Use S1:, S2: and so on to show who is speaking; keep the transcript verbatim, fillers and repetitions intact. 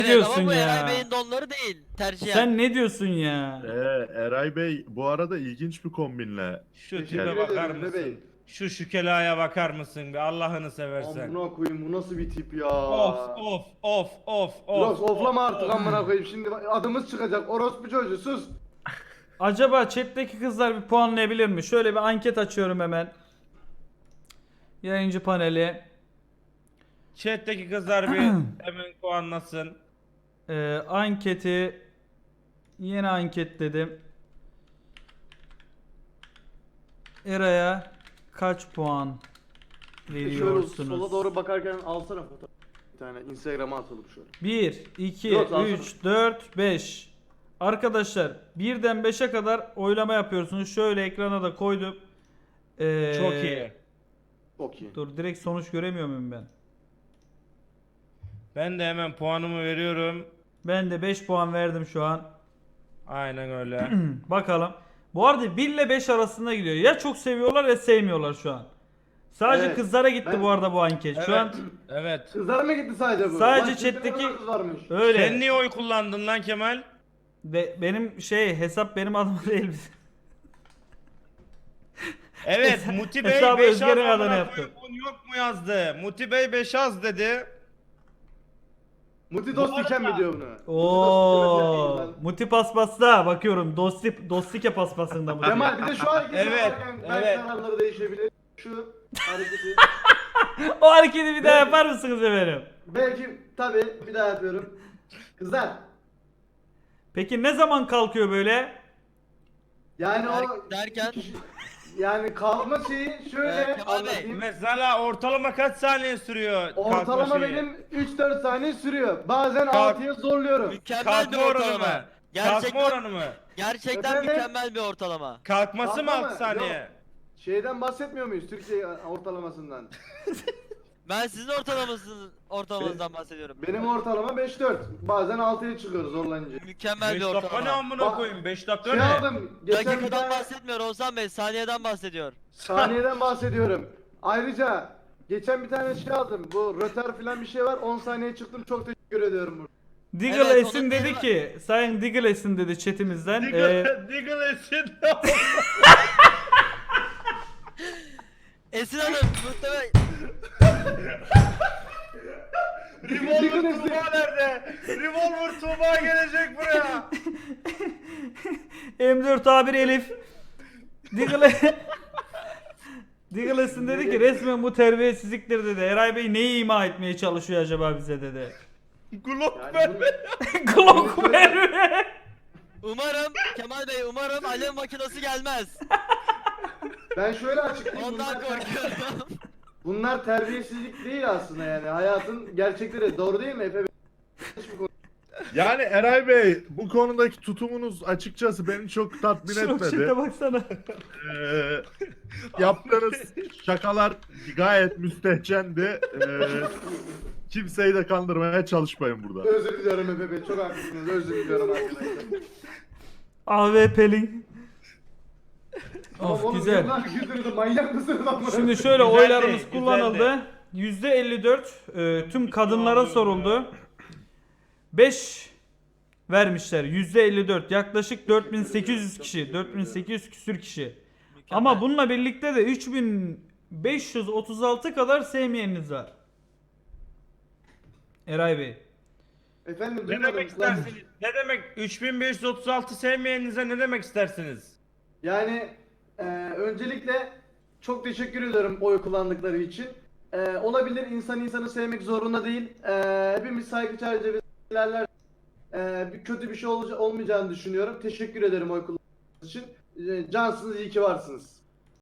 S1: Evet,
S2: diyorsun
S1: ama bu
S2: ya?
S1: Eray Bey'in donları değil. Tercihen.
S2: Sen ne diyorsun ya?
S3: Ee, Eray Bey bu arada ilginç bir kombinle.
S4: Şu
S5: Teşekkür
S4: tipe bakar
S5: ederim
S4: mısın?
S5: bebeğim.
S4: Şu şükelaya bakar mısın bir Allah'ını seversen.
S5: Amına koyayım bu nasıl bir tip ya.
S4: Of of of of of.
S5: Biraz oflama artık amına koyayım. Şimdi adımız çıkacak. Orospu çocuğu sus.
S2: Acaba chat'teki kızlar bir puanlayabilir mi? Şöyle bir anket açıyorum hemen. Yayıncı paneli.
S4: Chat'teki kızlar bir hemen puanlasın.
S2: Ee, anketi yeni anket dedim. Eray'a kaç puan
S5: Şöyle
S2: veriyorsunuz?
S5: sola doğru bakarken alsana fotoğraf. Bir tane Instagram'a atalım şöyle.
S2: bir, iki,
S5: Yok, alsana.
S2: üç, dört, beş. Arkadaşlar birden beşe kadar oylama yapıyorsunuz. Şöyle ekrana da koydum. Ee,
S4: Çok iyi.
S5: Çok iyi.
S2: Dur, direkt sonuç göremiyor muyum ben?
S4: Ben de hemen puanımı veriyorum.
S2: Ben de beş puan verdim şu an.
S4: Aynen öyle.
S2: Bakalım. Bu arada bir ile beş arasında gidiyor. Ya çok seviyorlar ya sevmiyorlar şu an. Sadece
S5: Evet.
S2: kızlara gitti
S5: Ben-
S2: bu arada bu anket. Şu
S4: Evet.
S2: an
S4: Evet.
S5: Kızlar mı gitti sadece bu?
S2: Sadece
S5: Lan şimdi
S2: chat'teki-
S5: ne kadar kız varmış.
S2: öyle.
S4: Sen niye oy kullandın lan Kemal?
S2: Be- benim şey hesap benim adıma değil.
S4: Evet,
S2: Hesa-
S4: Muti Bey
S2: hesabı
S4: beş
S2: Özger'in
S4: az
S2: adına
S4: amına
S2: yaptı.
S4: koyayım, un yok mu yazdı? Muti Bey beş az dedi.
S5: Muti dost
S4: Bu
S5: iken mi
S4: arada-
S5: diyor bunu?
S2: Oo,
S5: Muti dost
S2: Muti paspasta bakıyorum. Dosti Dostike paspasında bu.
S5: Kemal bir de şu hareketi
S4: Evet,
S5: yaparken belki
S4: evet.
S5: kararları değişebilir. Şu hareketi.
S2: O hareketi bir daha yapar mısınız efendim?
S5: Belki tabi bir daha yapıyorum. Kızlar.
S2: Peki ne zaman kalkıyor böyle?
S5: Yani o
S1: Der- derken
S5: yani kalma şeyi şöyle
S1: Ee, Kemal Bey.
S5: anlatayım.
S4: Mesela ortalama kaç saniye sürüyor
S5: Ortalama
S4: kalkma şeyi?
S5: benim üç dört saniye sürüyor. Bazen
S4: Kalk-
S5: altıya zorluyorum.
S1: mükemmel bir
S4: Kalkma oranı
S1: ortalama.
S4: mı? Kalkma
S1: Gerçekten
S4: oranı mı?
S1: gerçekten
S5: Efendim?
S1: mükemmel bir ortalama.
S4: Kalkması mı
S5: Kalkma
S4: altı
S5: mı?
S4: saniye?
S5: Yok. Şeyden bahsetmiyor muyuz Türkiye ortalamasından?
S1: Ben sizin ortalamasının ortalamanızdan bahsediyorum.
S5: Benim ortalama beş dört. Bazen altıya çıkıyoruz zorlanınca.
S1: Mükemmel
S4: beş
S1: bir
S4: dakika ne
S1: ortalama.
S4: amına
S5: Ba-
S4: koyayım? beş dakika
S5: Şey
S4: ne?
S5: aldım. Geçen bir
S1: Dakikadan
S5: tane
S1: bahsetmiyor Oğuzhan Bey, saniyeden bahsediyor.
S5: saniyeden bahsediyorum. Ayrıca geçen bir tane şey aldım. Bu röter falan bir şey var. on saniye çıktım. Çok teşekkür ediyorum burada.
S2: Diggle
S1: Evet,
S2: Esin
S1: onun
S2: dedi
S1: bir-
S2: ki, Sayın Diggle Esin dedi chatimizden. Ee,
S4: Diggle, Diggle etsin.
S1: Esin Hanım muhtemelen
S4: Revolver
S5: Diggle
S4: Tuğba nerede? Revolver Tuğba gelecek buraya.
S2: M dört A bir Elif. Diggle Diggle Esin dedi ki resmen bu terbiyesizliktir dedi. Eray Bey neyi ima etmeye çalışıyor acaba bize dedi.
S4: Glock
S5: Yani
S4: ver.
S5: bunu-
S2: Glock verme.
S1: umarım Kemal Bey umarım alev makinesi gelmez.
S5: ben şöyle açıklayayım.
S1: Ondan
S5: Bunlar,
S1: korkuyorum.
S5: bunlar terbiyesizlik değil aslında yani. Hayatın gerçekleri. Doğru değil mi Efe Bey?
S3: Yani Eray Bey bu konudaki tutumunuz açıkçası beni çok tatmin
S2: Şok
S3: etmedi.
S2: şite baksana.
S3: Ee, yaptığınız şakalar gayet müstehcendi. Ee, kimseyi de kandırmaya çalışmayın burada.
S5: Özür diliyorum Efe Bey. Çok haklısınız. Özür diliyorum arkadaşlar.
S2: A W P'lin.
S5: Ama
S2: Of
S5: oğlum,
S2: güzel.
S5: yıllar güldürdü. Manyak mısınız amına?
S2: Şimdi şöyle
S4: Güzeldi,
S2: oylarımız
S4: güzeldi.
S2: kullanıldı. yüzde elli dört e, tüm kadınlara soruldu. beş vermişler. yüzde elli dört yaklaşık dört bin sekiz yüz kişi, dört bin sekiz yüz küsür kişi. Ama bununla birlikte de üç bin beş yüz otuz altı kadar sevmeyeniniz var. Eray Bey.
S5: Efendim
S4: Ne
S5: duymadım.
S4: demek istersiniz? Ne demek üç bin beş yüz otuz altı sevmeyeninize ne demek istersiniz?
S5: Yani e, öncelikle çok teşekkür ediyorum oy kullandıkları için. E, olabilir insan insanı sevmek zorunda değil. E, hepimiz saygı çerçevesinde ilerler. E, bir kötü bir şey olca- olmayacağını düşünüyorum. Teşekkür ederim oy kullandığınız için. E, cansınız, iyi ki varsınız.